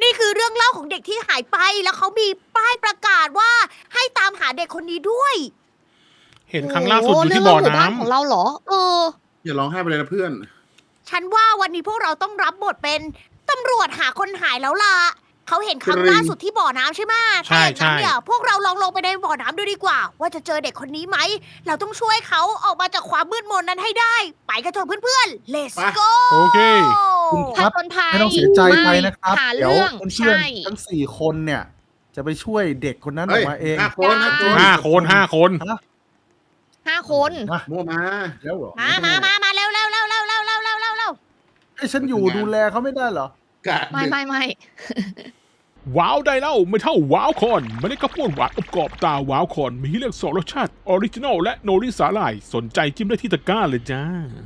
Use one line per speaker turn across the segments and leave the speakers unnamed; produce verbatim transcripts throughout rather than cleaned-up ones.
นี่คือเรื่องเล่าของเด็กที่หายไปแล้วเขามีป้ายประกาศว่าให้ตามหาเด็กคนนี้ด้วย
เห็นครั้งล่าสุดอยู่ที่บ่อ
เรื่องเล่าหมู่บ้าน
น้ำ
ของเราเหรอ เออ
อย่าร้องไห้ไปเลยนะเพื่อน
ฉันว่าวันนี้พวกเราต้องรับบทเป็นตำรวจหาคนหายแล้วล่ะเขาเห็นครั้ง
จริง
ล่าสุดที่บ่อน้ำใช่ไหม
ใช่
ถ้าอย่างนั้น
ใช่
เนี่ยพวกเราลองลงไปในบ่อน้ำดูดีกว่า ว่าจะเจอเด็กคนนี้ไหม เราต้องช่วยเขาออกมาจากความมืดมนนั้นให้ได้ ไปกันเถอะเพื่อนๆ let's go
โอเค
คุณค
ผ
รับ
จญภัย
ไม่ต้องเสียใจไปนะครับ
หา
เดี๋ยว
เรื่อง
เพื่อน
ใช่
ๆทั้งสี่คนเนี่ย จะไปช่วยเด็กคนนั้นอ
เฮ้
อย กมาเอง
ห้าคนห้าคน
ห้าคนห้าคน
ห้าคน
มา
มั่วมา
แล้วเหรอ
มามามามาเร็วเร็วเร็วเร็วเร็วเร็วเร็วเร็วเร็ว
ไอ้ฉันอยู่ดูแลเขาไม่ได้เหรอ
กะ
ไม่ไม่ไม่
ว้าวได้แล้วไม่เท่าว้าวคอนไม่ได้กระป้วนหวานอบกรอบตาว้าวคอนมีให้เลือกสองรสชาติออริจินอลและโนริสาหร่ายสนใจจิ้มได้ที่ตะกร้าเลยจ้า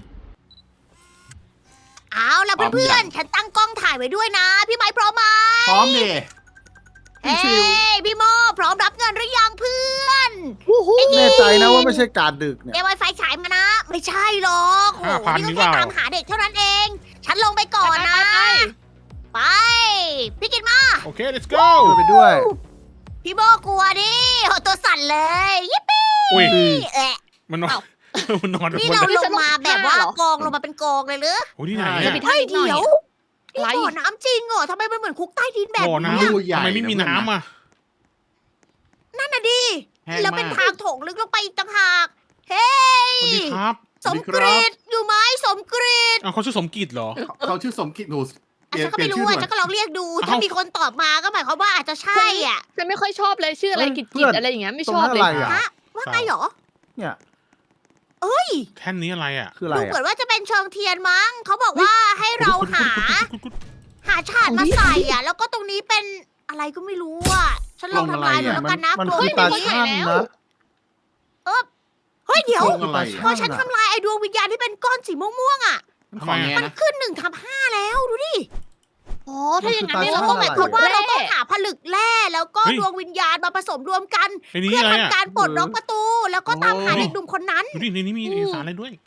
เอาล่ะเพื่อนๆ ฉันตั้งกล้องถ่ายไว้ด้วยนะ พี่ไม้พร้อมไหม
พร้อมดิ
เฮ้ยพี่โมพร้อมรับเงินหรือยังเพื่อน
วู้ฮู้
แน่ใจนะว่าไม่ใช่การดึกเนี่ย
เดี๋ยวไวไฟฉายมานะ ไม่ใช่หรอกโอ้
ห้า
โห
พัน
นี่
นี่
ก็
เป
แค่
ล่า
ตามหาเด็กเท่านั้นเอง ฉันลงไปก่อนนะ
ไป
ไป พี่กินมา
โอเค let's go
ช่วยไปด้วย
พี่โมกลัวดิโหตัวสั่นเลยยิปปี้
อุ้ย
เอะ
มันนอน มันนอน
นี่
บน
เรา
นั้น
ลงมาแบบว่ากองลงมาเป็นกองเลยหรือ
โอ้ยที่ไหน
จะ
อะ
ไป
เฮ้ย
หน่อย
เดี๋ยวนี่
ไร
บ่อน้ำจริงเหรอทำไมมันเหมือนคุกใต้ดินแบบ
บ่อ
นี้
น้ำ
รูใหญ่
ทำไมไม่มีน้ำอ่ะ
นั่นน่ะดิ
แห้ง
แล้วเป็น
มาก
ทางโถงลึกลงไปอีกต่างหาก เฮ้
สวัส
ย
ดีครับ
สมกรีดอยู่ไหมสมกรีด
อ้าวเขาชื่อสมกิจเหรอ
เขาเขาชื่อสมคิดหนูเป
อ่ะ
ลี่ยน
ฉันก็
เปลี่
ไม่
ยนชื่อหน่อย
รู้อ่ะฉันก็ลองเรียกดู
เอ้า
ถ้ามีคนตอบมาก็หมายความว่าอาจจะใช่อ่ะ
ฉันไม่ค่อยชอบเลยชื่ออะไร
เฮ้ย
กิจ
เพื่
กิ
อ
จ
น
อะไรอย่างเงี้ยไม่
ตรง
ชอบ
นั้น
เล
อะไร
ย
อ่ะ
ฮะว่าไงเหรอ
เนี่ย
เอ้ย
แท่นนี้อะไรอ่ะ
คืออะไร
ดูเหมื
อ่ะ
อนว่าจะเป็นเชิงเทียนมั้งเขาบอกว่าให้เราหา หาฉาดมาใส่อ่ะ แล้วก็ตรงนี้เป็นอะไรก็ไม่รู้อ่ะ ฉันลองทำลายหน่อยแล้วกันนะ
มัน
กลัว
คือ
ไม่
ตา
มี
ช่างนะ
เฮ้ยเดี๋ยว
ลงอะไร
พอฉันทำลายไอ้ดวงวิญญาณที่เป็นก้อนสีม่วงๆอ่ะ
ขอแง
มัน
นะ
ขึ้นหนึ่งทับห้าแล้วดูดิ
อ๋อถ้าอย่างนั้น
มัน
เนี่ย
คือ
เรา
ตา
ต้อง
ช่าง
แบบ
หมายความว่าเราต้อง
แร่
หาผลึกแร่แล้วก็
เฮ้ย
ดวงวิญญาณมาผสมรวมกัน
ไอ้นี่
เพื่อ
อะไร
ทำ
อ่ะ
การปลดล็อกประตู แล้วก็ตามหา
โอ้
เด็กหนุ่มคนนั้น
ดูดิในนี้มีเอกสารอะไรด้วย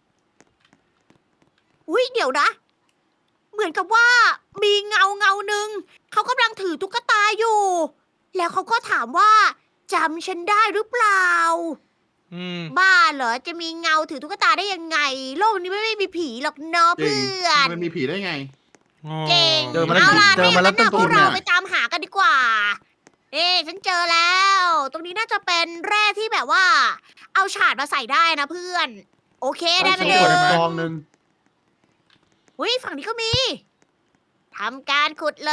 อุ้ยเดี๋ยวนะ เหมือนกับว่ามีเงาเงาหนึ่งเขากำลังถือตุ๊กตาอยู่ แล้วเขาก็ถามว่าจำฉันได้หรือเปล่า
อืม
บ้าเหรอจะมีเงาถือตุ๊กตาได้ยังไง โลกนี้ไม่มีผีหรอกเนาะ
จริง
เพื่อน
มันมีผีได้ไง
อ๋อ
เก่ง
เจอมาแล้ว
เอาล่ะ
เจอมาแล้ว
ถ้ย่งนั้นน่ะ
ต้น
พ
ทุ
วน กเรา
เนี่ย
ไปตามหากันดีกว่า เอ๊ะฉันเจอแล้ว ตรงนี้น่าจะเป็นแร่ที่แบบว่า เอาฉาดมาใส่ได้นะเพื่อน โอเคได้ไป
สำ
เล
รวจ
ย
กองหนึ่ง
อุ้ยฝั่งนี้ก็มีทำการขุดเลย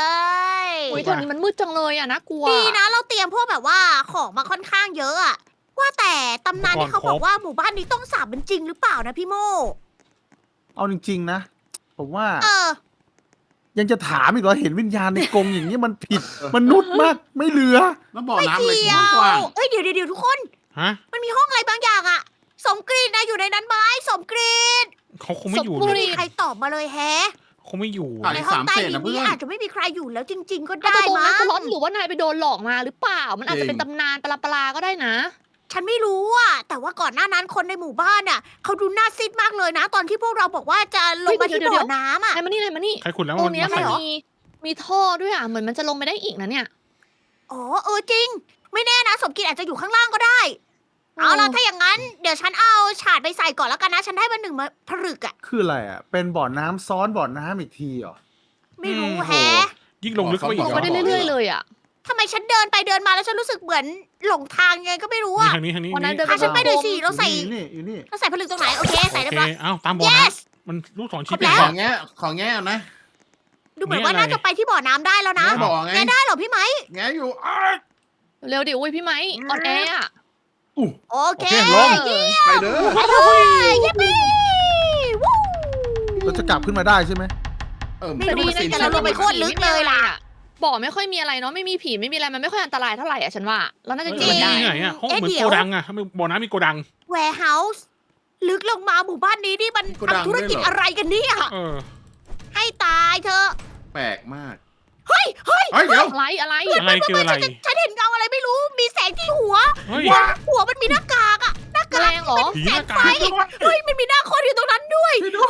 โอ้ยตอนนี้มันมืดจังเลยอ่ะน่ากลัว
ดีนะเราเตรียมพวกแบบว่าของมาค่อนข้างเยอะอะว่าแต่ตำนานที่เขาบอกว่าหมู่บ้านนี้ต้องสาบเป็นจริงหรือเปล่านะพี่โม
เอาจริง ๆ นะ ผมว่า
เออ
ยังจะถามอีกเหรอเห็นวิญญาณในกรงอย่างนี้มันผิดมนุษย์มากไม่เหลือ
แล้วบ่อ
ไม่
น้ำเลย
เกี่ยว
กว้าง
เอ้ยเดี๋ยวเดี๋ยวเดี๋ยวทุกคน
ฮะ
มันมีห้องอะไรบางอย่างอะสมกรีดนะอยู่ในนั้นไหมสมกรีด
เขาคงไม่อยู่
สม
เล
บูร
ย
ณ์
ไม่มีใครตอบมาเลยแฮะ
คงไม่อยู่
อ่ะ
ใน
อีก
ห้อ
สาง ม
ใต้
เศษ
ดิน
นะเพื่
นี้
อน
อาจจะไม่มีใครอยู่แล้วจริง ๆ ก็
อาจ
ได้
จะโดน
มั้
นัก
ง
ร้อนหรือว่านายไปโดนหลอกมาหรือเปล่า มันอาจจะเป็นตำนานปลาปลาๆก็ได้นะ
ฉันไม่รู้อะแต่ว่าก่อนหน้านั้นคนในหมู่บ้านอะเขาดูน่าซิดมากเลยนะ ตอนที่พวกเราบอกว่าจะลงมาที่
เดี๋ยว
บ่
เดี๋
อ
ยว
น้ำอะ
นายมานี่นายมานี่
ใครขุดแล้ว
ตร
มั
ง
น
เนี้ย
มา
มัน
ใส่
มีมีท่อด้วยอ่ะเหมือนมันจะลงไปได้อีกนะเนี่ย
อ๋อเออจริง ไม่แน่นะสมกิจอาจจะอยู่ข้างล่างก็ได้ เอาล่ะถ้าอย่างนั้น เดี๋ยวฉันเอาฉาดไปใส่ก่อนแล้วกันนะ ฉันได้มาหนึ่งมาผลึกอะ
คืออะไรอ่ะ เป็นบ่อน้ำซ้อนบ่อน้ำอีกทีเหรอ
ไม่รู้
อืม
แฮะ
ยิ่งลงลึกเข้าไปอี
ล
ก
ง
เหร
ไป
อ
ได้เรื่อยๆเลยอ่ะ
ทำไมฉันเดินไปเดินมาแล้วฉันรู้สึกเหมือนหลงทางยังไงก็ไม่รู้
นี่
อะ
ทางนี้ทางนี้
วันนั้น
นี่
เดิน
พาฉันไปหน่อยสิเราใส่
อยู่นี่อยู่นี่
เราใส่ผลึกตรงไหนโอเคใส่
โอ
เรียบ
เค
ร้อย
เอ้าตามบ่อ
yes
น้ำมันลูกศรชี้
ครบ
ไป
แล้ว
ก่
ข
อ
อน งแง่ของแง่เอานะ
ดูเหมือนว่า
นี่อะไร
น่าจะไปที่บ่อน้ำได้แล้วนะ
แง่บอกไง
แกได้เหรอพี่ไหม
แง่อยู่อ้าย
เร็วดิอุ้ยพี่ไม้ออนแอร์อ่ะ
โอ
โอ
เค
เคลง
เออ
ไปเด้อ
ไปเลยยิปปี้วู้
เราจะกลับขึ้นมาได้ใช่ไหม
เออ
ไม่
แต่
รู้
ดี
สิ
นะ
แต่เราลงไปโคตรลึกเลยล่ะ
บ่อไม่ค่อยมีอะไรเนาะไม่มีผีไม่มีอะไรมันไม่ค่อยอันตรายเท่าไหร่อ่ะฉันว่าเราน่าจะอยู่
เอ้ย
กัน
มัน
ได้
มีไหนอ่ะห้อง
เอ๊ะ
เหมือน
เดี๋ยว
โกดังอ่ะทำไมบ่อน้ำมีโกดัง
warehouse ลึกลงมาหมู่บ้านนี้นี่มันทำธุรกิจอะไรกันเนี่ย
เออ
ให้ตายเถอะ
แปลกมาก
เฮ้ยเฮ้ย
เฮ้ยเดี๋ยว
อะไรอะไร
อะไรเจออะไร
ฉันเห็นเงาอะไรไม่รู้มีแสงที่หัว
เฮ้ย
หัวมันมีหน้ากากอะหน้า
แม
กาก
ลงเหรอ
ผี
แส
ห
ง
น้ากา
ไฟ
ก
เฮ้ยมันมีหน้าคนอยู่ตรงนั้นด้วย
ช่วยด้วย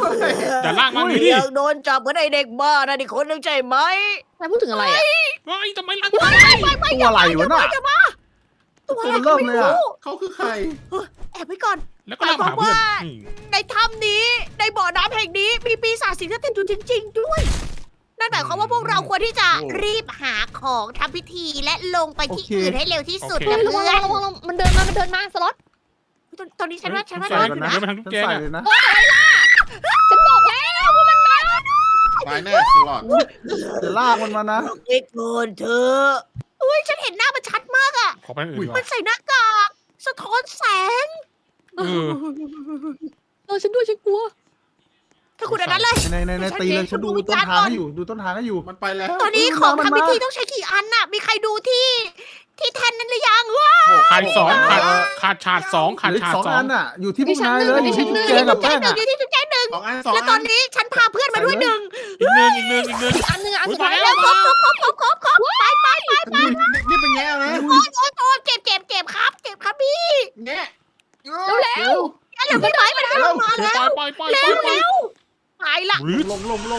อย่าลากมา
อุ้ย
ดิ
ยังโดนจับเหมือนไอเด็กบ้านะนี่คนนึงใช่ไหม
นายพูดถึงอะไรอ่ะ
เฮ้ยทำไมลาก
ไป
มา
ไปไป
ตัวอะไรวะน่ะ
อย่ามาตัวอะไร
ตัวเริ่
ก็
ม
ไม่
เลยอะ
รู้
เขาคือใคร
แอบไว้ก่อน
แล้วก็ลากมาหาเพื่อนอืม
ในถ้ำนี้ในบ่อน้ำแห่งนี้มีปีศาจสิงสถิตอยู่จริง ๆ ด้วย นั่นหมายความว่าพวกเราควรที่จะ
โอ้
รีบหาของทำพิธีและลงไปที่
โอเค
อื่นให้เร็วที่สุด
เฮ้
นะ
ยระวั
เพื่
ง
อน
ระวังระวังมันเดินมา มันเดินมา สล็อต
ตอนตอนนี้ฉันว่าฉันว่า
ใส่
ได้
ก่อน
อยู่
นะ
นะ
เดินมาทางทุก
ฉัน
แจง
ใส่
อะ
เลยนะ
ฉันบอกแล้วว่ามันมา
ตายแน่สลอด
จะลากมันมานะ
เอ็กโกนเธออุ้ยฉันเห็นหน้ามันชัดมากอะ
ขอไปทางอื่นก่อ
มัน นใส่หน้ากากสะท้อนแสง
เออ
เออฉันด้วยฉันกลัว
ถ้าคุณอันนั้นเลย
ในในในตีเลยฉันดูต้นทางให้อยู่ดูต้นทางให้อยู่
มันไปแล้ว
ตอนนี้
เออ
ของ
มัน
ทำ
มา
พิธีต้องใช้กี่อันน่ะ มีใครดูที่ที่แทนนั้นหรือยังวะ
ขาดสองขาดขาดฉาดสองขาด
เหลืออี
ฉาก ด
สอง
สอ
อั
ง
นอ่ะ อยู่ที่พวกนายเลยอยู่ที่
ดิ
จุ๊
ฉั
บ
น
แจงกับแป้ง
หนึ่
อ่ะ
งอยู่ที่จุดแจ้งหนึ่ง
สองอันสอง
แล้วต
อั
อน
น
นี้ฉันพาเพื่อนมาด้วยหนึ่ง
อีกหนึ่งอีกหนึ่งอีกหนึ่ง
อีกอันหนึ่งอันสุด
โอ้
ท้าย
ย
แล้ว
ครบครบครบครบครบครบไปไปไป
นี่นี่เป็นแง่นะ
โอ้ยโอ้ยโอ้ยเก็บเก็บเก็บครับ เก็บครับพี่
แง่
เร็ว
แล้วเหลือพี่ไม้มันกำลังมา
ไป
แล้ว
ไปไป
เร็
ไป
ว
ไป
เร็วไปละ
หรือ
ลงลงลง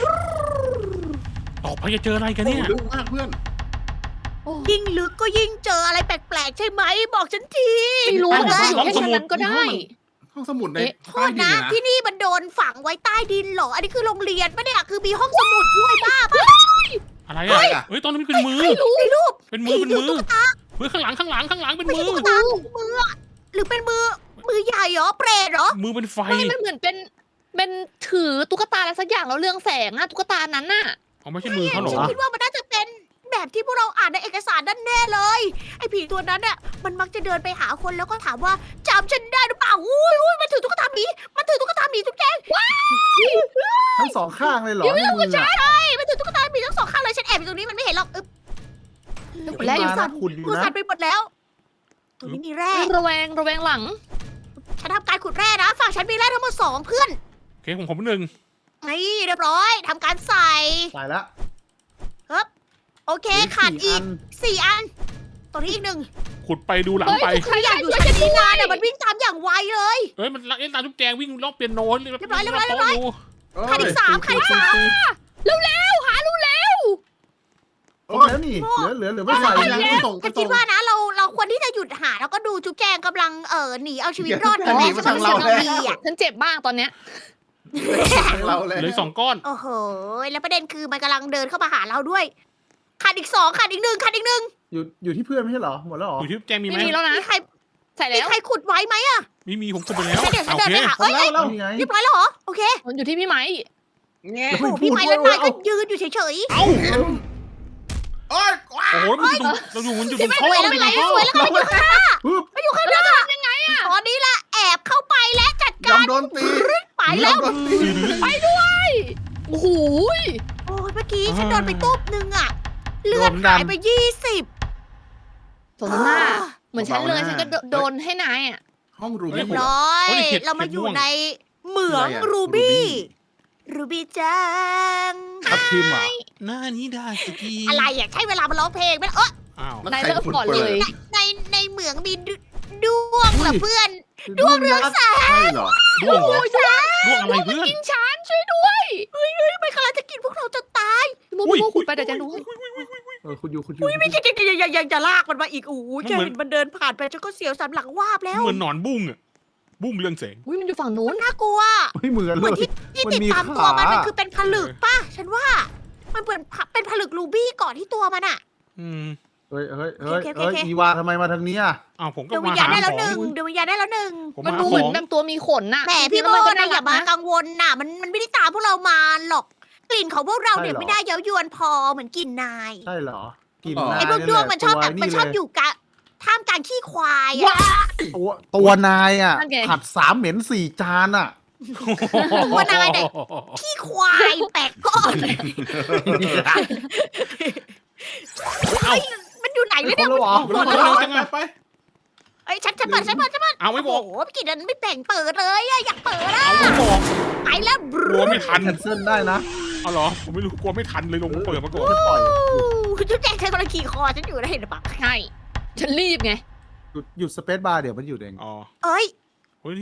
ต่อไปจะเจออะไรกันเนี่ย
ลึกมากเพื่อน
ยิ่งลึกก็ยิ่งเจออะไรแปลกๆใช่ไหมบอกฉันที
ไม่รู้
ห้อง
แต่
สมุด
อยู่แค่ชั้นนั้นก็ได้
ห้องสมุดใน
เอ๊ะ
โท
ใต้
ษ
ดิน
นะ
เนี่ยนะ
ที่นี่มันโดนฝังไว้ใต้ดินเหรอ อันนี้คือโรงเรียนปะเนี่ยคือมีห้องสมุดด้วยบ้าปะ
อะไรอ่ะเฮ้ยตอนนี้เป็นมือ
ไม่รู้รูป
เป็นมือ เป็นมือ
ตุ๊กตา
เฮ้ยข้างหลังข้างหลังข้างหลังเป็น
ไม่
มื
ใช่
อ
ตุ๊กตามืออะหรือเป็นมือมือใหญ่เหรอเปรตเหรอ
มือเป็นไฟ
ไม่มันเหมือนเป็น เป็นถือตุ๊กตาอะไรสักอย่างแล้วเรืองแสงอะตุ๊กตานั้นน่ะ
เขาไม่ใช่มือเขาหรอ
ฉันคิดว่ามันน่าจะเป็นแบบที่พวกเราอ่านในเอกสารนั่นแน่เลย ไอ้ผีตัวนั้นน่ะมันมักจะเดินไปหาคนแล้วก็ถามว่าจำฉันได้หรือเปล่าอุ้ยอุ้ยมันถือตุ๊กตาหมีมันถือตุ๊กตาหมีทุกแกง
ทั้งสองข้างเลยเหรอในมืออ่ะ
ใช่มันถือตุ๊กตาหมีทั้งสองข้างเลยฉันแอบอยู่ตรงนี้มันไม่เห็นหรอกอึ๊บ
และอยู่
มา
สั่
นะ
น
ขุดอยู่
กู
นะ
สั่นไปหมดแล้วตรงนี้มีแร่
ระแวงระแวงหลัง
ฉันทำการขุดแร่นะฝั่งฉันมีแร่ทั้งหมดสองเพื่อน
โอเคผมผมหนึ่ง
นี่เรียบร้อยทำการใส่
ใส่แล้ว
โอเค
เหลื
ขาด
สี่
อีกสี่อันตรงนี้อีกหนึ่ง
ขุดไปดูหลัง
เฮ้ย
ไป
ทุก
ใครอยากอยู่ชั้นนี้นานเนี่ยมันวิ่งตามอย่างไวเลย
เฮ้ยมันเล่นตามทุกแจงวิ่งรอบเปียโนเลย
เรียบร้อยเรียบร้อยเรียบร้อย
ดู
ขาดอีกสามขาดอีกสาม
เร็วเร็วหารู้แล้ว
ครบแล้วนี่เหลือเหลือเหลือไม่ใส่
ไป
นะ
ยังส่ง
ฉันคิดว่านะเราเราควรที่จะหยุดหาแล้วก็ดูจุ๊บแจงกำลังเออหนีเอาชีวิตรอด
จะหนีมาทางเรา
แล้
แล้ว
อ่ะ
ฉันเจ็บมากตอนเนี้ย
เราเลย
เหลืออกสองก้อน
โอ้โหแล้วประเด็นคือมันกำลังเดินเข้ามาหาเราด้วยขาดอีกสองขาดอีกหนึ่งขาดอีกหนึ่ง
อยู่อยู่ที่เพื่อนไม่ใช่เหรอหมดแล้วเหรอ
อยู่ที่แจงมีไหม
ไม่มีแล้วนะ
มีใคร
ใส่
มี
แล้ว
ใครขุดไว้ไหมอะ
มีมีผมขุดไปแล้ว
เดี๋ยวฉัน
โอ
เดิน
เค
ไปหา
หม
เอ้
ด
ย
แล้ว
เอ้ย
แล้วนี่ไง
เรียบร้อยแล้วเหรอโอเค
มันอยู่ที่พี่ไม้
แง่
โอ้โหพี่ไม้และนายก็ยืนอยู่เฉย
เอ้า
โอ้ยว้า
โอ้โหมันอยู่ตรงเราอยู่มันอยู่ตรง
ๆ
ท่อ
สวย
มัน
แล้ว
อยู่
ไง
ตรงท่อ
สวยแล้วไงมันอยู่ข้างหน้า
ปึ๊บ
มันอยู่ข้างหน้ายังไงอะตอนนี้ละแอบเข้าไปและจัด
ยอ
กาม ร
โดนตี
ไปแล้ว
ยอมโดนตี
โอ้โห
โอ้ยเมื่อกี้ฉันโดนไปตุ๊บนึงอะเลือดหายไปยี่สิบ
สมหน้า เหมือนฉันเลยฉันก็โดนให้นายอ่ะ
ห้องรู
เรี
บี้
ยบร้อย เรามาอยู่ในเหมืองรูบี้รูบี้จัง
ทับทิมเหรอ
หน้านี้ได้สกี
อะไรอ่ะใช่เวลามาร้องเพลงไหมเออ
อ้าว
นายเริ่มก่อนเลย
ในในเหมืองมีดด้วงเหรอเพื่อน
ดวงเรืองแสง
ใช่เหรอ
ด้วงเหรอด้วงอะไรเพื่อน
กินฉันช่วยด้วย
ไม่กำลังจะกินพวกเราจะตาย
โมโมขุดไปเดี๋ยวจะรู้
เออคุณอยู่คุณอยู่
อุ้ยไม่ใช่อย่าอย่าอย่าอย่าลากมันมาอีกโอ้ยแค่เห็นมันเดินผ่านไปฉันก็เสียวสันหลังวาบแล้ว
เหมือนหนอนบุ้งอะบุ้งเรืองแสง
อุ้ยมันอยู่ฝั่งนู้น
น่ากลัว
ไม่เหมือน
เห
เล
มือน
ย
ที่ที่
มัน
ติด
มี
ตามตัวมัน
ขามั
มันคือเป็นผลึกป่ะฉันว่า มันเหมือนเป็นผลึกรูบี้เกาะที่ตัวมันอะ
อืม
เฮ้ยเฮ้ยเฮ้ย
โอเคโอเค
เฮ้ย
โอเค
อีวาทำไมมาทางนี้อ่ะ
อ้าวผมก็
เดยววิ
มา
ญญาณ
หา
ได้
ข
แล้ว
อ
หนึ่
ง
งเดยววิญญาณได้แล้วหนึ่ง
ผม
มัน
มา
ดู
หา
เหมื
ข
อน
อง
แบบตัวมีขนน่ะ
แหมพี่โม
ก็
นะอย่ามากังวลน่ะ มันมันไม่ได้ตามพวกเรามาหรอก กลิ่นของพวกเราเนี่ยไม่ได้เย้ายวนพอเหมือนกลิ่นนาย
ใช่เหรอ กิน
อ๋อ
นาย
ไอ้พวกด้วงมันชอบแบบ
ตัว
มันชอบอยู่กะท่ามกลางขี้ควายอะ
ตัวตัวนายอ่ะผัดสามเหม็นสี่จานอ่ะ
ตัวนายเนี่ยขี้ควายแปลกก้อน
เอ้า
มันอยู่ไหนเนี่ย
ครบแล้วเหรอ
หมด
เร็
แล้ว
ว
เหรอ
จังอะ
ไป
ไอ้ยฉันฉันเปิดฉันเปิดฉันเปิด
เอาไม่บ
โอ้
อก
โหพี่กินนั้นไม่แต่งเปิดเลยอะอยากเปิดอะ
เอาไม่บอก
ไปแล้วบ
กลัวไม่ทัน
แคนเซิลได้นะ
เอาเหรอผมไม่รู้กลัวไม่ทันเลยลงเปิดมาก่อน
ไม่ปล่อย
จุ๊บแจงใช้กำลังขี่คอฉันอยู่ได้เห็นปะ
ใช่ ฉันรีบไง
หยุดหยุดสเปซบาร์เดี๋ยวมันหยุดเอง
อ๋อ
เอ้ย
เฮ้ยนี่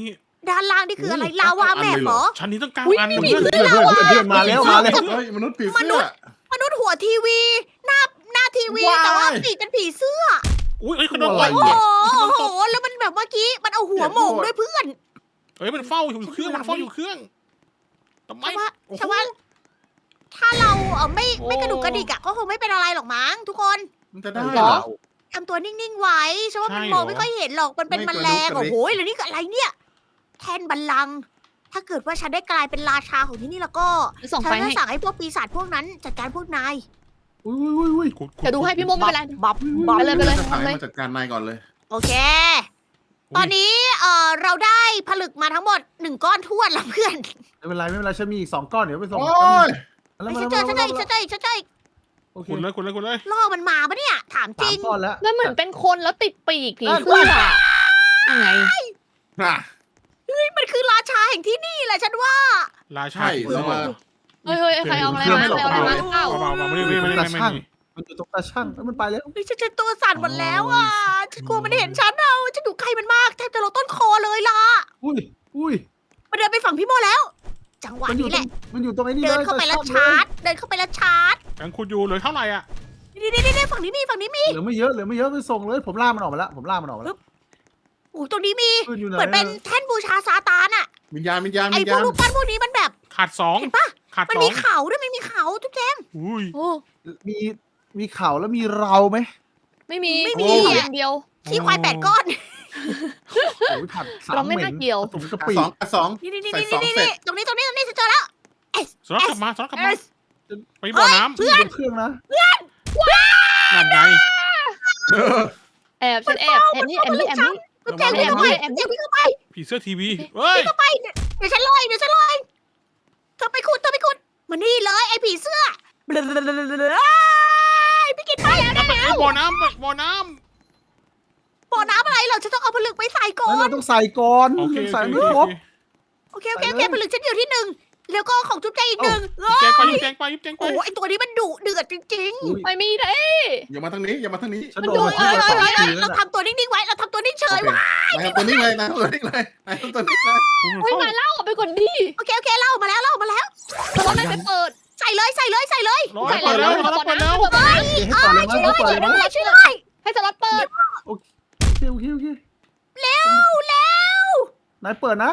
ด้านล่างนี่คืออะไรลาวาแมปเหรอ
ชั้นนี้ต้องเก้า
อุ๊ย
อัน
มี
เพื่อน
เพื่อนเพื่อนเพื่อนมาแล้วมาแล้ว
เฮ้ยมนุษย์ผี
ม
เสื้
นุ
อ
ษย์ มนุษย์หัวทีวี หน้าหน้าทีวี
ว้าย
แต่ว่าปีกเป็นผีเสื้อ
อุ้ยเอ้ยเขาโดน
อะไร
ต่อย
โอ้โหโอ้โห แล้วมันแบบเมื่อกี้มันเอาหัวโหมงด้วยเพื่อน
เอ้ยมันเฝ้าอยู่เครื่องมันเฝ้าอยู่เครื่องทำไม
ฉันว่า
โอ้โห
ฉันว่า ถ้าเราเออไม่
โอ้
ไม่กระดุกกระดิกอะก็คงไม่เป็นอะไรหรอกมั้งทุกคน
มันจะได้
เห
เห
ร
ร
อ
อ
ทำตัวนิ่งๆไว้ฉันว่ามันมองไม่ค่อยเห็นหรอกมันเป็น
ไม่
แม
กระดุกกระดิก
ลงโอ้โหแล้วนี่คืออะไรเนี่ย แทนบัลลังก์ถ้าเกิดว่าฉันได้กลายเป็นราชาของที่นี่แล้วก็
จะส่อง
ฉั
ไฟ
นจะ
ให้
สั่งให้พวกปีศาจพวกนั้นจัดการพวกนาย
อุ้ยอุ้ยอุ้ย
ขุดขุ
เดี๋ยวดูให้พี่โมไม่เป็นไร
บับบับ
ไปเลยไปเลย
จะถ่าย
ทำเลย
มาจัดการนายก่อนเลย
โอเค ตอนนี้เออเราได้ผลึกมาทั้งหมดหนึ่งก้อนท้วนละเพื่อน
ไม่เป็นไรไม่เป็นไรฉันมีอีกสองก้อนเดี๋ยวไปส่ง
โอ้ย
แล้ว
ไอ้
มา
ฉัน
แล้ว
เจอฉันเจอฉันเจอฉันเจอ
โอเค
ขุดเลยขุดเลยขุดเลย
ล่อมันมาปะเนี่ย ถามจ
สา
ริ
ม
ง
ก้อนแล้ว
มันเหมือนเป็นคนแล้วติดปีกผีเสื้อยังไง
น่ะ
มันคือราชาแห่งที่นี่แหละฉันว่า
ราชา
ใช่
ผี
แล้ว
เสื้อ
มา
เฮ้ยเฮ้ยใครเอาอะไรมาใครเอาอะไรมาหรือเปล่า
เบาๆเบาๆไม่ได้ไม่ได้ไม่ได้ไม่ได้
มันอยู่ตรงตาช่างแล้วมันไปแล้ว
เฮ้ยฉันฉันตัวสั่นหมดแล้วอ่ะฉันกลัวมันเห็นฉันเอาฉันอยู่ใกล้มันมากแทบจะลดต้นคอเลยล่ะ
อุ้ยอุ้ย
มันเดินไปฝั่งพี่โมแล้ว จังหวะ
มันอยู่
นี้
ต
แห
รง
ละ
มันอยู่ตรงไอ้นี่
เดิน
เลย
เข้าไปแล้ว
ต
ชาร์จ เดินเข้าไปแล้วชาร์จ
ยังขุดอยู่เหลยเท่าไหร่อ่ะ
นี่นี่นี่ฝั่งนี้มีฝั่งนี้มี
เหลือไม่เยอะเหลือไม่เยอะไปส่งเลยผมล่ามันออกมาแล้วผมล่ามันออกมาแล้ว
โอ้ตรงนี้มี
ปืนอยู่ไหน
เหมือนเป็นแท่นบูชาซาตานอ่ะ
วิญญาณวิญญาณ
ไอ้
วิญ
พว
ญาก ณ
รูปปั้นพวกนี้มันแบบ
ขาดสอง
เห็นปะ
ขาด
มัน
สอ
มี
ง
เขาด้วยมันมีเขาทุกแจง
อุ้ย
โอ้
มีมีเข่าแล้วมีเราไหม
ไม่มี
ไม่มี
เขาอย่างเดียว
ขี้ควายแปดก้อน
โอ้ยผัดสาม
เราไม่
เหม็
น่าน เกี่ยว
ผสมกะ
อ่ะ
ปิ
สองอ่ะสอง
นี่นี่นี่
ใส่
นี่
สอง
นี่
เสร็จ
ตรงนี้ตรงนี้ตรงนี้ฉันเจอแล้ว
สล็อตกลับมาสล็อตกลับ
เอ
มา
ส
ไปบ่อน้
เพื่อน
เครื่องนะ
ำนั่นไง
แอบฉันแอบแอบนี่แอบนี่แอบนี่
ทุกแจงวิ่งเข้าไปทุกแจงวิ่งเข้าไป
ผีเสื้อทีวีเฮ้ย
วิ่งเข้าไปเดี๋ยวฉันลอยเดี๋ยวฉันลอยเธอไปขุดเธอไปขุดมานี่เลยไอ้ผีเสื้อเบลอพี่กินไปแล้วได้
ไอ้บ่อน้ำบ่อน้
บ่อน้ำอะไรเหรอฉันต้องเอาผลึกไปใส่ก่อ
แล้ว
น
เราต้องใส่ก่อน
ำโอเค
ยัง
โอ
ใส่
เค
ไม่ครบ
โอเคโอเคโอเคผลึกฉันอยู่ที่หนึ่งแล้วก็ของจุ๊บแจงอีกหนึ่ง
แจงไปยิบแจงไปยิบแจงไป
โอ้ไอตัวนี้มันดุเดือดจริง
อุ้ย
ไม่มีเลย
อย่ามาทางนี้อย่ามาทางนี้
ฉัน
ๆ
โด
ดุ
น
เอ้ย
มา
เอ้ย
สอง
เอ้ย
ที
เอ้ย
แล้ว
เรา
นะ
ทำตัวนิ่งๆไว้เราทำตัวนิ่งเฉ
โอย เค
ไว้
นายทำตัวนี้เลยนายทำตัวนี้เลยนายทำตัวนี้เลย
เฮ้ยมาเล่าเอาไปก่อนดิ
โอเคโอเคเล่ามาแล้วเล่ามาแล้ว
แต่ว่าไม่ไปเปิด
ใส่เลยใส่เลยใส่เลย
รอเปิดแล้วรอเปิดแล้ว
เปิดแล้ว
ให้ต่อเลยมั้ยให้ต่อเลยมั้ย
ช่วยด้วย
ให้สล็อตเปิด
โอเคโอเคโอเค
เร็วเร็ว
นายเปิดนะ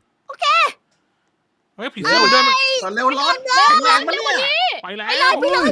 เฮ้ยผีเสื้อมันเดินมา
ก่อนเร็วร้อนแข็งแรงมาเนี่ย
ไปแล้วไปเลย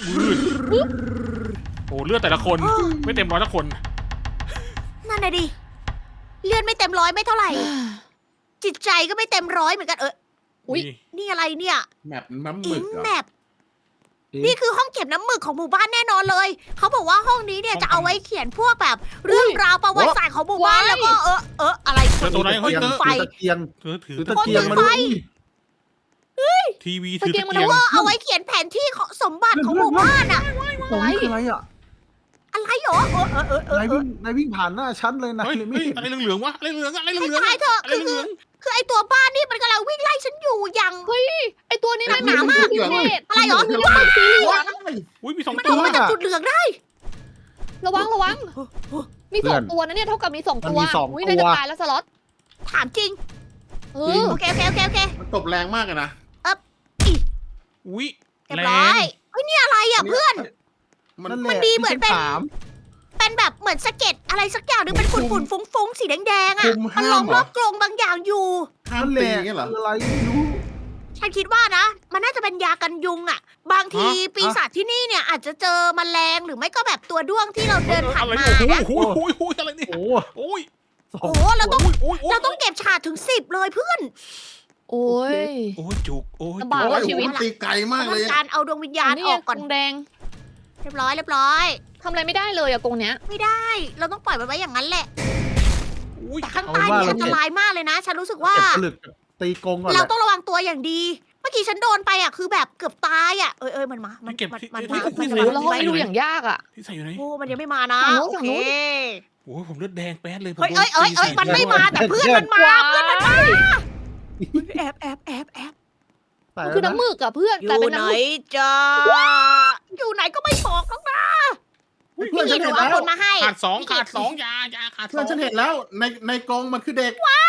โอ้เลือดแต่ละคนไม่เต็มร้อยละคน
นั่นน่ะดิเลือดไม่เต็มร้อยไม่เท่าไหร่ จิตใจก็ไม่เต็มร้อยเหมือนกันเออ
อุ๊ย
นี่อะไรเนี่ย
แมปน้ำห
อิ
มึก
ง
เหรอ
แมปนี่คือห้องเก็บน้ำหมึกของหมู่บ้านแน่นอนเลย เขาบอกว่าห้องนี้เนี่ยจะเอาไว้เขียนพวกแบบ เรื่องราวประวัติศาสตร์ของหมู่บ้านแล้วก็เออเอออะไร
เจอตัวไหนเฮ้ยเจอ
ไฟ
ถือตะเกียง
เธอถือ
ถือตะเกียงมาด้วย
ทีวีถือตะเกียง
แล้วก็เอาไว้เขียนแผนที่ของสมบัติของหมู่บ้านอะ
โอ้ยคืออะไรอ่ะ
อะไรหรอเออเออเออเออน
ายวิ่งนายวิ่งผ่านหน้าฉันเลยนะ
เฮ้ย
เลยไม่
เฮ้ย
เห็น
อะไรเหลืองๆวะอะไรเหลืองๆอะไรเหลือง
ใช่เถอะ
อะไร
คือ
เหลือง
คือไอตัวบ้านนี่มันกำลังวิ่งไล่ฉันอยู่อย่าง
เฮ้ยไอตัวนี้มัน
หนามาก
พิเศษ
อะไรหรอ
สีเหลืองสีเหลือง
อุ้ยมีสอง
มัน
ตั
อ
ว
อกมาจากจุดเหลืองได้
ระวังระวัง มีสองตัวนะเนี่ยเท่ากับมีสองตัวอุ้ยนายจะตายแล้วสล็อต
ถามจริง
เออ
โอเคโอเคโอเคโอเค
มันตบแรงมากเลยนะ
อุ้ย
เรียบ
แร
ร้อง ยเฮ้ยนี่อะไรอ่ะเพื่อน
มัน
นั่นแห
มัน
ละ
ดีเหมือนเป็น
ที่ฉัถาม
เป็นแบบเหมือนสะเก็ดอะไรสักอย่างหรือเป็นฝุ่นฝุ่นฟุ้งฟุ้งๆสีแดงๆ
คุ
อ่ะ
ม
มัน
ห้า
ล้อ
ม
ม
เห
ร
ร
อ
อบ
กรงบางอย่างอยู่
ห้าม
นั่นแห
ตี
ละ
อย่างเงี้ยเหรอ
คืออะไรไม่รู้
ฉันคิดว่านะ มันน่าจะเป็นยากันยุงอ่ะ บางทีปีศาจที่นี่เนี่ยอาจจะเจอแมลงหรือไม่ก็แบบตัวด้วงที่เราเดินผ่าน
อะไร
มา
เนี่ย
นะ
โอ้โหโอ้โหโอ้โหอะไรเนี่ย
โอ้
โอ้ย
สอ
โอ้
ง
โหเราต้อง
โอ้ยโอ้ย
เราต้องเก็บฉาดถึงสิบเลยเพื่อน
โอ้ย
โอ้ยจุกโอ้ย
ลำบาก
โอ้
ว่ะ
ย
ชีวิต
มันตีไกลมากเลย
ทำการเอาดวงวิญญาณออกก่อน
กรงแดง
เรียบร้อยเรียบร้อย
ทำอะไรไม่ได้เลยอะกรงเนี้ย
ไม่ได้ เราต้องปล่อยมันไว้อย่างนั้นแหละ
อุ้ย
แต่ข้างใต้นี่อันตรายมากเลยนะ ฉันรู้สึกว่า
เก็บผลึกกับตีกรงก่อนแห
เรา
ละ
ต้องระวังตัวอย่างดี เมื่อกี้ฉันโดนไปอ่ะคือแบบเกือบตายอ่ะ เอ้ยเอ้ยมันมา มัน
เก็บ
มัน
ที่
มัน
ที่
มา
ที่
มัน
ใส่
โอ้
มา
แล้วห้องนี้ดูอย่างยากอะ
ที่ใส่อยู่ไหน
โอ้มันยังไม่มานะ
ฝั่งนู้น
โอเค
ฝั่งนู้น
โอ้ยผมเลือดแดงแป๊ดเลยผม
เฮ้ยเอ้ยเอ้ยเอ้ยมันไม่มาแต่เพื่อนมันมา เพื่อนมันมา แอบแอบแอบแอบ
ใส่
มัน
แล้ว
คือ
นะ
น้ำหมึกอะเพื่อน
อก
ลาย
ยู่
เป็น
ไหน
น้ำหมึก
จ้าอยู่ไหนก็ไม่บอกหรอกนะ
เพื่
พี่
อน
กิ
ฉั
น
น
หนู
เห็น
เอา
แล้ว
คนมาให้
ขาดสองขาดสองยา ยาขาดส
เพื่อ
อน ง
ฉันเห็นแล้วในในกรงมันคือเด็ก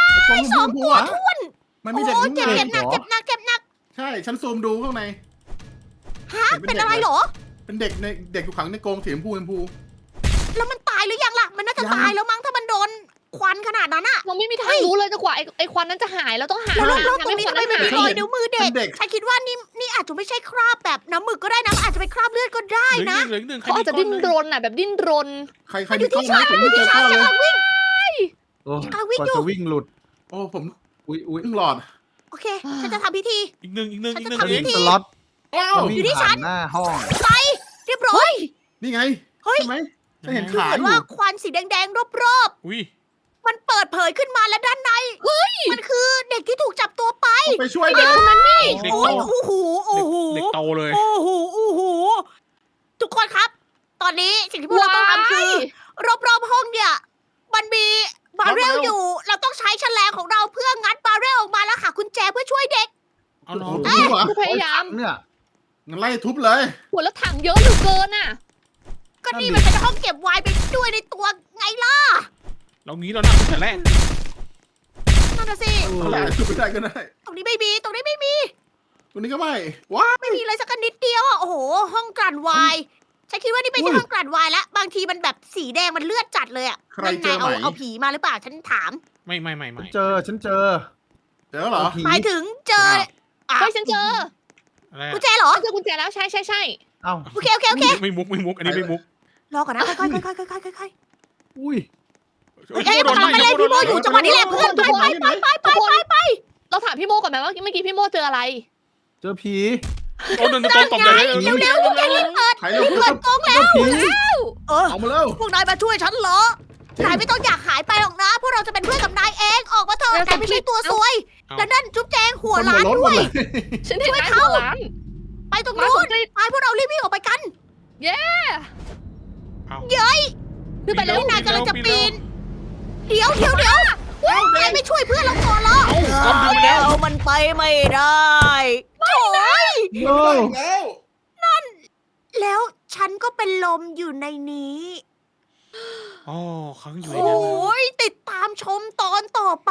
ไอ้กรง
สอง
ชมพู
ตัว
อะ
ท้วน
มัน
โอ้
มีเด็ก
เจ็บ
นี่
เจ็บหนักเจ็บหนักเจ็บหนัก
ใช่ ฉันซูมดูข้างใน
ฮะเป็นอะไรเหรอ
เป็นเด็กในเด็กอยู่ขังในกรงสีชมพูชมพู
แล้วมันตายหรือยังล่ะ มันน่าจะ
ยัง
ตายแล้วมั้งถ้ามันโดนควันขนาดนั้นอะ
เราไม่มีทางรู้เลยจนกว่าไอ้ไอ้ควันนั้นจะหายเราต้องหา
แล้ว
ทาง
แล้วตรงนี้
ให้
ทำไม
ควั
มัน
น
มี
นั้น
ร
หา
อย ยนิ้วมือเด็ก
เป็นเด็ก
ฉันคิดว่านี่นี่อาจจะไม่ใช่คราบแบบน้ำหมึกก็ได้นะมันอาจจะเป็นคราบเลือดก็ได้
เหลือ
นะ
อีกหนึ่งเหลืออีกหนึ่งใคร
เขาอา
มี
จจะ
ก้อน
ดิ้น
หนึ่ง
รนอ่ะแบบดิ้นรน
ใครใคร
มันอ
มี
ยู่
กล้อ
ที่
งไหม
ฉัน
ผม
มันอ
ไม่
ยู่
เจ
ที่
อ
ฉั
กล้
น
องเลย
กำลังวิ่ง
โอ้
กำลังวิ่ง
กว่า
อยู่
จะวิ่งหลุด
โอ้ผม
อุ้ยอุ้ย
เพิ่งหลอด
โอเค ฉันจะทำพิธี
อีกหนึ่งอีกหนึ่ง
ฉัน
อีก
จะ
หนึ่ง
ทำ
เอ
พิ
ง
ธี
สล็อต
ว้าว
มันวิ่
อยู่
ง
ที่ฉั
ผ่าน นหน้าห้อง
ไปเรียบร้อย
นี่ไง
เฮ้ย
ใช่ไหมฉันเห็น
คือ
ขา
เหมือน
อยู่
ว่าควันสีแดงๆรอบ
อุ้ย
ๆ มันเปิดเผยขึ้นมาและด้านใน เฮ้ย มันคือเด็กที่ถูกจับตัวไป
ต้องไปช่วย
เด็
เด็
ก
ก
คนนั้นนี่
เด็ก
โอ้
โต
ยโอ้โหโอ้โห
เด็กโตเลย
โอ้โหโอ้โหทุกคนครับ ตอนนี้สิ่งที่พวกเราต้องทำคือ รอบๆห้องเนี่ย มันมีบาร์เรลอยู่ เราต้องใช้แฉลงของเราเพื่องัดบาร์เรลออกมาแล้วหากุญแจเพื่อช่วยเด็ก
เอาน้อง
โอ้โหเหรอ
คือพยายาม
เนี่ย
งั้นไล่ทุบเลย
หัวแล้วถังเยอะเหลือเกินอ่ะ
ก็นี่มันเป็นห้องเก็บไวน์ไปด้วยในตัวไงล่ะ
เรางี้เราหนักตั้งแต่แรก
นั่นน่ะสิ
เอาแหละทุบไม่ได้ก็ได้
ตรงนี้ไม่มี ตรงนี้ไม่มี
ตัวนี้ก็ไม่ว้า
ไม่มีเลยสักนิดเดียวอ่ะ โอ้โห ห้องกลั่นไวน์ฉันคิดว่านี่ไม่ใช่ห้องกลั่นไวน์แล้ว บางทีมันแบบสีแดงมันเลือดจัดเลยอ่ะ
ใครเจอไหม
นั่นไงเอาเอาผีมาหรือเปล่า ฉันถาม
ไม่ไม่ไม่
ฉั
ไม่
นเจอฉันเจอ
เจอเหรอ
ผี
หมายถึงเจออ่ะ
เฮ้ยฉันเจอ
อะไร
กุ
อะ
ญแจเหรอ
ฉันเจอกุญแจแล้วใช่ใช่ใช่
เอ้า
โอเคโอเคโอเค
ไม่มุกไม่มุกอันนี้ไม่มุก
รอก่อนนะ ค่อยๆค่อยๆค่อยๆค่อยๆค่อย
อุ้ย
ๆเอ้ยมันกำลังไปเล่นพี่โมอยู่จังหวะนี้แหละเพื่อนไปไปไปไปไปไปไป
เราถามพี่โมก่อนไหมว่าเมื่อกี้พี่โมเจออะไร
เจอผี
โอ้เดินตรงตบเลย
เร็วเร็วๆพวกแกรีบเปิด
ใครเร็ว
เปิดกรงแล้ว
ผี
เออ
เอามาเร็ว
พวกนายมาช่วยฉันเหรอ
จริง
นายไม่ต้องอยากหายไปหรอกนะ พวกเราจะเป็นเพื่อนกับนายเอง ออกมาเถอะ
เร็วน
ายไม่ใช่ตัวซวย
เอา
แล้วนั่นจุ๊บแจงหัว
คน
ล้าน
หัว
ด้วย
รถหมดเลย
ฉันเห็น
ช่วย
นาย
เขา
หัวล้าน
ไปตรง
มา
นู้
ส
น
นใจ
ไปพวกเรารีบวิ่งออกไปกัน
เย้
เอา
เย้ย
ขึ้นไปเร็ว
นายกำลังจะปีน เดี๋ยวเดี๋ยวเดี๋ยวนายไม่ช่วยเพื่อนเราก่อนเหรอ
เอาความดึงมาแล้ว
มันไปไม่ได้โอ้ย
โอ้
แล้ว
แล้วฉันก็เป็นลมอยู่ในนี้
อ๋อค้างอยู่
โอ
ในนั้นนะ
้ยติดตามชมตอนต่อไป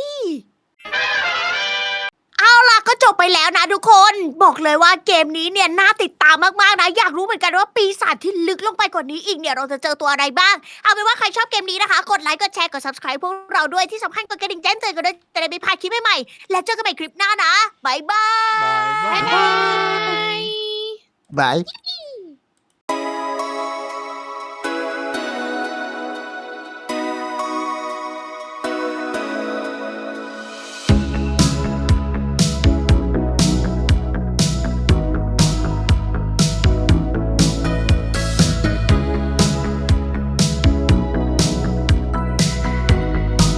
เอาล่ะก็จบไปแล้วนะทุกคน บอกเลยว่าเกมนี้เนี่ยน่าติดตามมากๆนะ อยากรู้เหมือนกันว่าปีศาจที่ลึกลงไปกว่านี้อีกเนี่ยเราจะเจอตัวอะไรบ้าง เอาเป็นว่าใครชอบเกมนี้นะคะ กดไลค์กดแชร์กด subscribe พวกเราด้วยที่สำคัญกดกระดิ่งแจ้งเตือนกันด้วยจะได้ไม่พลาดคลิปใหม่ๆและเจอกันใหม่คลิปหน้านะบ๊ายบาย
บายบา
บ๊าย ยบาย
บาย